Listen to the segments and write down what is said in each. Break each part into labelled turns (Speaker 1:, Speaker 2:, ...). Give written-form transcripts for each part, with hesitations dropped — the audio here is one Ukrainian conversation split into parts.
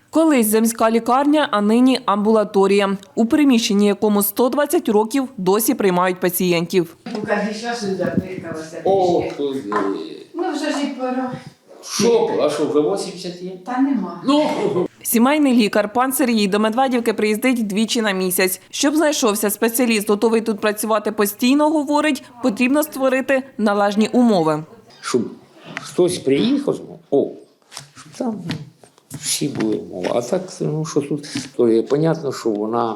Speaker 1: Колись земська лікарня, а нині амбулаторія. У приміщенні, якому 120 років, досі приймають пацієнтів.
Speaker 2: Кожен час запикалася.
Speaker 3: О, туди.
Speaker 2: Ну вже ж і пора.
Speaker 3: Що? А що, вже 80 є?
Speaker 2: Та нема.
Speaker 3: Ну!
Speaker 1: Сімейний лікар пан Сергій до Медведівки приїздить двічі на місяць. Щоб знайшовся спеціаліст, готовий тут працювати постійно, говорить, потрібно створити належні умови.
Speaker 3: Щоб хтось приїхав, щоб там всі були умови. А так, що тут, то є понятно, що вона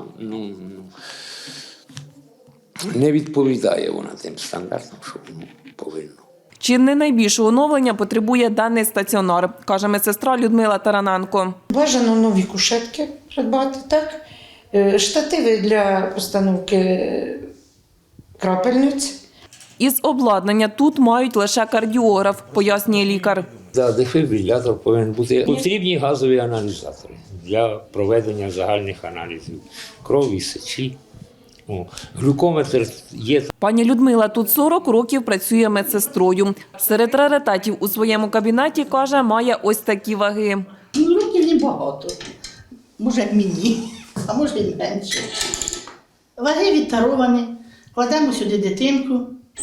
Speaker 3: не відповідає вона тим стандартам, що повинна.
Speaker 1: Чи не найбільшого оновлення потребує даний стаціонар, каже медсестра Людмила Тараненко.
Speaker 4: Бажано нові кушетки придбати, так? Штативи для постановки крапельниць.
Speaker 1: Із обладнання тут мають лише кардіограф, пояснює лікар.
Speaker 3: За дефібрилятор повинен бути потрібні газові аналізатори для проведення загальних аналізів крові, сечі. Глюкометр є.
Speaker 1: Пані Людмила тут 40 років працює медсестрою. Серед раритетів у своєму кабінеті, каже, має ось такі ваги.
Speaker 5: Років небагато. Може, як мені, а може і менше. Ваги відтаровані. Кладемо сюди дитинку,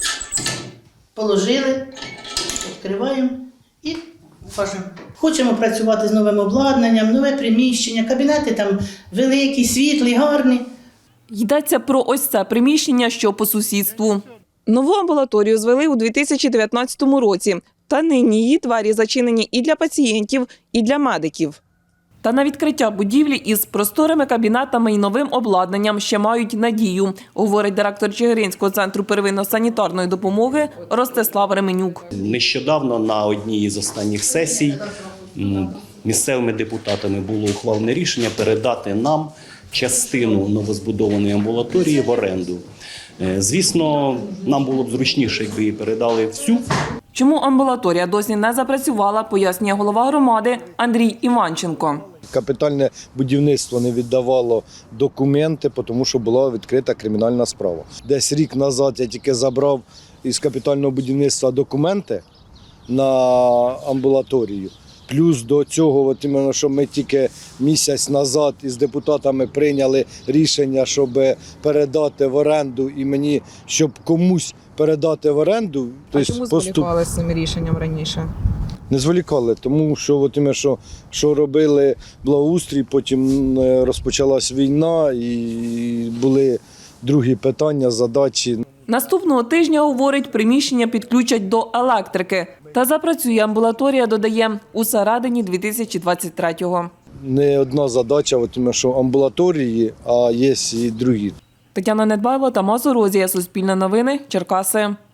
Speaker 5: положили, відкриваємо і важимо. Хочемо працювати з новим обладнанням, нове приміщення, кабінети там великі, світлі, гарні.
Speaker 1: Йдеться про ось це приміщення, що по сусідству. Нову амбулаторію звели у 2019 році. Та нині її двері зачинені і для пацієнтів, і для медиків. Та на відкриття будівлі із просторими кабінетами і новим обладнанням ще мають надію, говорить директор Чигиринського центру первинно-санітарної допомоги Ростислав Ременюк.
Speaker 6: Нещодавно на одній із останніх сесій місцевими депутатами було ухвалене рішення передати нам частину новозбудованої амбулаторії в оренду. Звісно, нам було б зручніше, якби її передали всю.
Speaker 1: Чому амбулаторія досі не запрацювала, пояснює голова громади Андрій Іванченко.
Speaker 7: Капітальне будівництво не віддавало документи, тому що була відкрита кримінальна справа. Десь рік назад я тільки забрав із капітального будівництва документи на амбулаторію. Плюс до цього, що ми тільки місяць назад із депутатами прийняли рішення, щоб передати в оренду і мені, щоб комусь передати в оренду.
Speaker 8: А чому зволікали з цим рішенням раніше?
Speaker 7: Не зволікали, тому що робили благоустрій, потім розпочалась війна і були другі питання, задачі.
Speaker 1: Наступного тижня, говорить, приміщення підключать до електрики. Та запрацює амбулаторія, додає, у середині 2023-го.
Speaker 7: Не одна задача, що амбулаторії, а є і другі.
Speaker 1: Тетяна Недбайло, Тамас Орозія, Суспільне новини, Черкаси.